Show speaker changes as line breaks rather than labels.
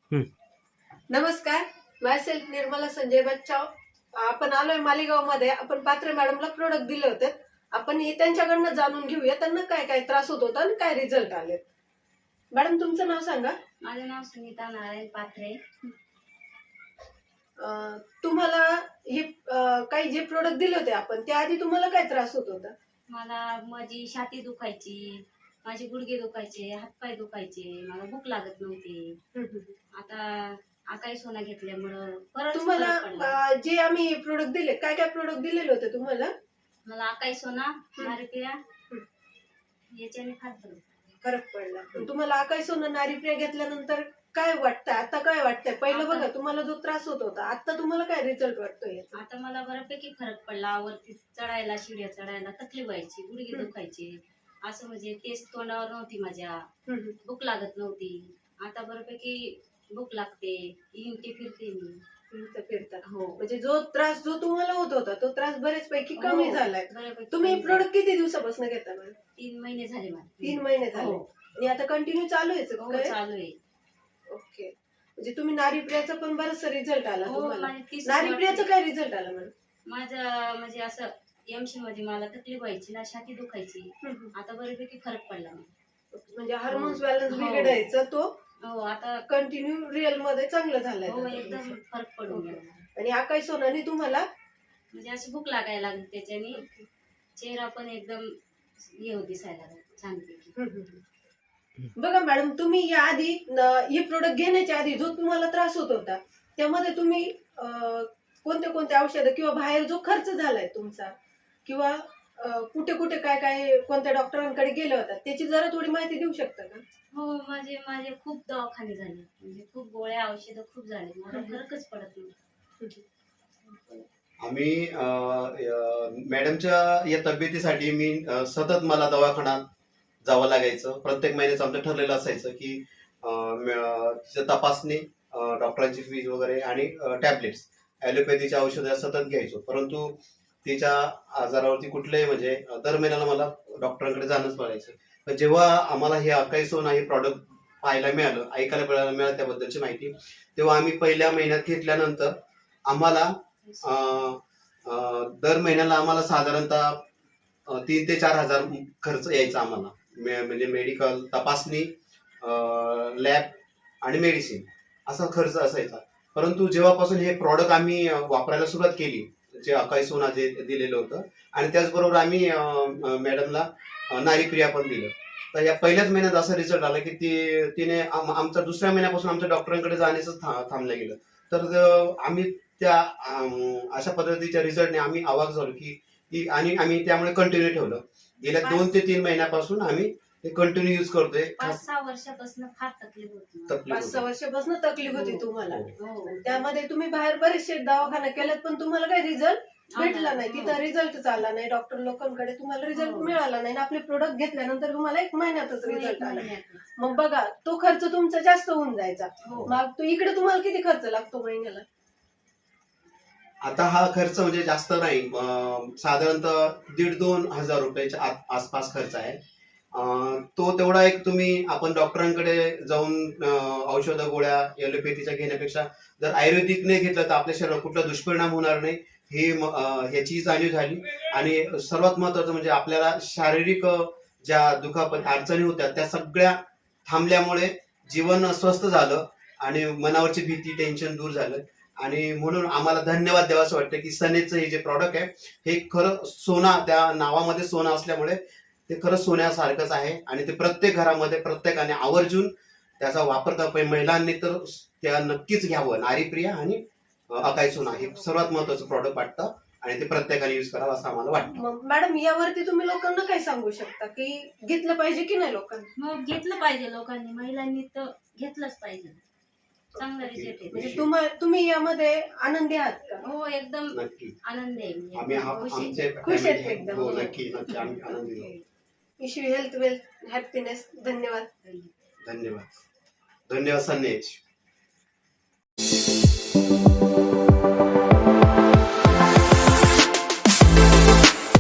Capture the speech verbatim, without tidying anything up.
हम्म.
नमस्कार, मायसेल्फ निर्मला संजय बच्चाव. आपण आलोय मालेगाव मध्ये. आपण पात्रे मॅडमला प्रोडक्ट दिले होते. आपण हे त्यांच्याकडनं जाणून घेऊया त्यांना काय काय त्रास होत होता आणि काय रिझल्ट आले. मॅडम तुमचं नाव सांगा.
माझं नाव सुनीता नारायण पात्रे.
अं, तुम्हाला हे अं, काही जे प्रोडक्ट दिले होते आपण त्याआधी तुम्हाला काय त्रास होत होता?
मला माझी छाती दुखायची, माझे गुडघे दुखायचे, हातपाय दुखायचे, मला भूक लागत नव्हती. आता आकाई सोना घेतल्यामुळं परत
तुम्हाला
फरक पडला.
अं, जे आम्ही प्रोडक्ट दिले काय काय प्रोडक्ट दिलेले होते तुम्हाला?
मला आकाई सोना नारिप्रिया याच्याने फार फरक
फरक पडला. पण तुम्हाला आकाई सोना नारीप्रिया घेतल्यानंतर काय वाटतं? आता काय वाटतंय? पहिलं बघा तुम्हाला जो त्रास होत होता, आता तुम्हाला काय रिझल्ट वाटतोय?
आता मला बऱ्यापैकी फरक पडला. वरती चढायला, शिड्या चढायला तकलीफ व्हायची, गुडघे दुखायचे, असं म्हणजे तेच तोंडावर नव्हती, माझ्या भूक लागत नव्हती. आता बऱ्यापैकी भूक लागते, इंटी फिरते मी.
फिरता फिरता
हो,
म्हणजे जो त्रास जो तुम्हाला होत होता तो त्रास बरेच पैकी कमी
हो,
झालाय.
बऱ्यापैकी
तुम्ही
कमी
प्रोडक्ट किती दिवसापासून घेता मॅडम?
तीन महिने झाले मला.
तीन महिने झाले
हो.
आणि आता कंटिन्यू चालू आहे
हो,
काय?
चालू आहे.
ओके. म्हणजे तुम्ही नारीप्रियाचा पण बराचसा रिझल्ट आला
हो,
तुम्हाला.
माझे तीस
नारीप्रियाचा काय रिझल्ट आला मॅडम?
माझं म्हणजे असं एमसी मध्ये मला तकलीफ व्हायची ना, छाती दुखायची. आता बऱ्यापैकी फरक पडला मला.
म्हणजे हार्मोन्स बॅलन्स
हो.
बिघडायचा तो
हो, आता
कंटिन्यू रिअल मध्ये चांगलं झालंय.
हो एकदम फरक पडून गेला मला.
आणि आकाई सोनाने तुम्हाला
म्हणजे अशी भूक लागायला लागली, त्याच्याने चेहरा पण एकदम हे होत दिसायला लागला छानपैकी.
बघा मॅडम, तुम्ही या आधी न- हे प्रोडक्ट घेण्याच्या आधी जो तुम्हाला त्रास होत होता त्यामध्ये तुम्ही अं, कोणते कोणते औषधं किंवा बाहेर जो खर्च झालाय तुमचा किंवा अं, कुठे कुठे काय काय कोणत्या डॉक्टरांकडे गेले होता त्याची जरा थोडी माहिती देऊ शकता का?
हो, माझे माझे खूप दवाखाने झाले, म्हणजे खूप गोळ्या औषधं खूप झाले, मला फरकच पडत नव्हतं.
आम्ही अं, अं, मॅडमच्या या तब्येतीसाठी मी अं, सतत मला दवाखान्यात जावं लागायचं. प्रत्येक महिन्याचं आमचं ठरलेलं असायचं की अं, म- तिचं तपासणी, अं, डॉक्टरांची फीज वगैरे आणि टॅबलेट्स, ॲलोपॅथीच्या औषधं सतत घ्यायचो. परंतु तिच्या आजारावरती कुठलंही म्हणजे अं, दर महिन्याला मला डॉक्टरांकडे जाणंच पडायचं. पण जेव्हा आम्हाला हे आकाई सोना हे प्रॉडक्ट पाहायला मिळालं, ऐकायला मिळालं मिळालं त्याबद्दलची माहिती, तेव्हा आम्ही पहिल्या महिन्यात घेतल्यानंतर आम्हाला अं, अं, दर महिन्याला आम्हाला साधारणतः अं, तीन ते चार हजार खर्च यायचा आम्हाला. मे- म्हणजे मेडिकल, तपासणी, लॅब आणि मेडिसिन असा खर्च असायचा. परंतु जेव्हापासून हे प्रॉडक्ट आम्ही अं, वापरायला सुरुवात केली, जे अकाई सोना जे दिलेलं होतं, आणि त्याचबरोबर आम्ही अं, अं, मॅडमला अं, नारीप्रिया पण दिलं, तर या पहिल्याच महिन्यात असा रिझल्ट आला की ती तिने आम- आमचा दुसऱ्या महिन्यापासून आमच्या डॉक्टरांकडे जाण्याचं था थांबलं गेलं. तर अं, आम्ही त्या अं, अशा पद्धतीच्या रिझल्टने आम्ही अवाक झालो की की आणि आम्ही त्यामुळे कंटिन्यू ठेवलं. गेल्या दोन ते तीन महिन्यापासून आम्ही ते कंटिन्यू युज करतोय.
पाच सहा वर्षापासून फार तकलीफ होती मला.
तकलीफ
पाच सहा
होते.
वर्षापासून तकलीफ होती
हो.
तुम्हाला.
हो.
आणि त्यामध्ये तुम्ही बाहेर बरेचसे दवाखाने केलेत पण तुम्हाला काही रिझल्ट भेटला नाही.
हो.
तिथं रिझल्ट आला नाही. डॉक्टर लोकांकडे तुम्हाला रिझल्ट
हो.
मिळाला नाही. आपले प्रोडक्ट घेतल्यानंतर तुम्हाला एक महिन्यातच
हो, एक
रिझल्ट आला.
महिन्यातच.
मग बघा तो खर्च तुमचा जास्त होऊन जायचा.
हो.
मग तो इकडे तुम्हाला किती खर्च लागतो महिन्याला?
आता हा खर्च म्हणजे जास्त नाही, अं, साधारणतः दीड दोन हजार रुपयाच्या आत- आसपास खर्च आहे. अं, तो तेवढा एक तुम्ही आपण डॉक्टरांकडे जाऊन अं, औषधं गोळ्या ॲलोपॅथीच्या घेण्यापेक्षा जर आयुर्वेदिकने घेतलं तर आपल्या शरीरावर कुठला दुष्परिणाम होणार नाही, हे म- अं, ह्याची जाणीव झाली. आणि सर्वात महत्वाचं म्हणजे आपल्याला शारीरिक अं, ज्या दुखापत अडचणी होत्या त्या सगळ्या थांबल्यामुळे जीवन स्वस्थ झालं आणि मनावरची भीती, टेन्शन दूर झालं. आणि म्हणून आम्हाला धन्यवाद द्यावासं वाटतं की सनेचं हे जे प्रॉडक्ट आहे हे खरं सोना, त्या नावामध्ये सोना असल्यामुळे ते खरं सोन्यासारखंच आहे. आणि ते प्रत्येक घरामध्ये प्रत्येकाने आवर्जून त्याचा वापर करावा पाहिजे. महिलांनी तर त्या नक्कीच घ्यावं. नारीप्रिया आणि अं, अकाई सोना हे सर्वात महत्वाचं प्रॉडक्ट वाटतं आणि ते प्रत्येकाने युज करावं असं आम्हाला वाटतं.
मग मॅडम यावरती तुम्ही लोकांना काय सांगू शकता की घेतलं पाहिजे की नाही लोकांनी?
मग घेतलं पाहिजे लोकांनी, महिलांनी तर घेतलंच पाहिजे. चांगला रिझल्ट आहे.
म्हणजे तुम्हा तुम्ही यामध्ये आनंदी आहात का?
हो, एकदम
नक्की
आनंद आहे. मी
आम्ही
एकदम
हा-
खुश आहे.
आमचे
खुश आहेत
family-
एकदम.
हो, नक्की नक्की आम्ही आनंदी आहोत.
Wish you health, wealth, happiness. धन्यवाद.
धन्यवाद. धन्यवाद सनेज.